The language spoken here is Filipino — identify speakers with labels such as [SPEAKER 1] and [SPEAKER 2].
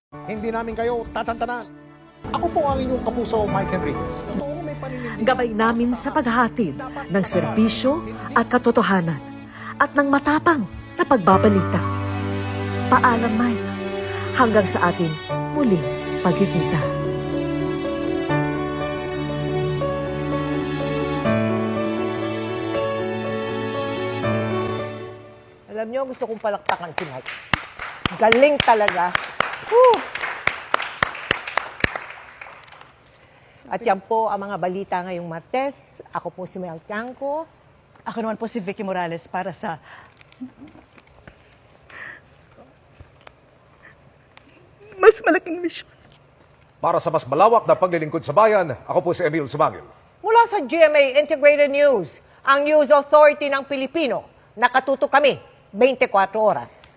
[SPEAKER 1] Hindi namin kayo tatantanan. Ako po ang inyong kapuso, Mike Enriquez. Totoo may paninindigan.
[SPEAKER 2] Gabay namin sa paghahatid ng serbisyo at katotohanan at ng matapang na pagbabalita. Paalam, Mike. Hanggang sa ating muling pagkikita.
[SPEAKER 3] Alam niyo, gusto kong palakpakan si Mike. Galing talaga. Whew! At yan po ang mga balita ngayong Martes. Ako po si Mel Tiangco.
[SPEAKER 4] Ako naman po si Vicky Morales para sa mas malaking misyon.
[SPEAKER 5] Para sa mas malawak na paglilingkod sa bayan, ako po si Emil Sumangil.
[SPEAKER 3] Mula sa GMA Integrated News, ang News Authority ng Pilipino, nakatuto kami 24 oras.